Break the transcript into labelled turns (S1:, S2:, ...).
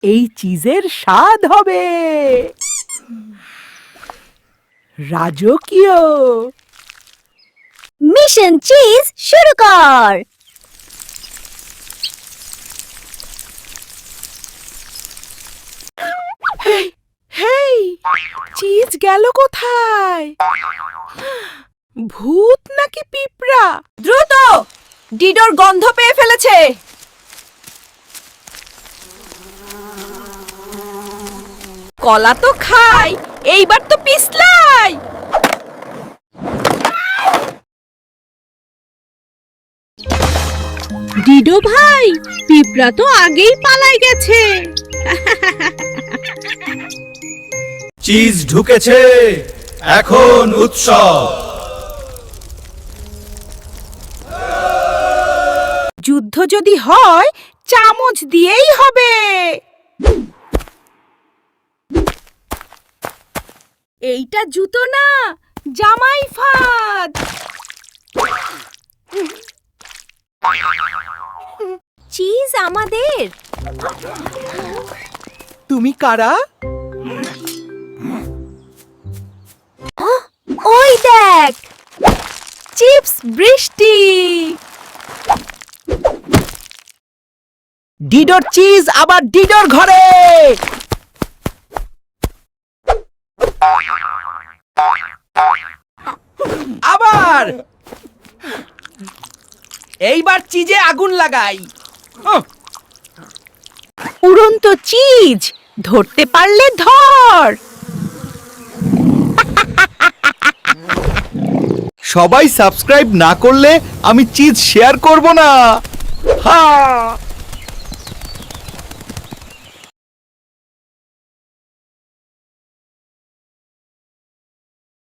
S1: এই চিজের স্বাদ হবে রাজকীয়।
S2: মিশন চিজ শুরু কর।
S1: হেই, চিজ গেল কোথায়? ভূত নাকি পিঁপড়া?
S2: দ্রুত, ডিডোর গন্ধ পেয়ে ফেলেছে। কলা তো খাই, এইবার তো পিছলাই।
S3: ডিডো ভাই, পিঁপড়া তো আগেই পালাই গেছে।
S4: চিজ ঢুকেছে, এখন উৎসব।
S1: যুদ্ধ যদি হয় চামচ দিয়েই হবে। এইটা জুতো না, জামাই ফাঁদ।
S2: চিজ আমাদের।
S1: তুমি কারা?
S2: ওই দেখ, চিপস বৃষ্টি।
S1: ডিডোর চিজ আবার ডিডোর ঘরে। আবার এইবার চিজে আগুন লাগাই। উড়ন্ত চিজ, ধরতে পারলে ধর।
S4: সবাই সাবস্ক্রাইব না করলে আমি চিজ শেয়ার করব না। হ্যাঁ।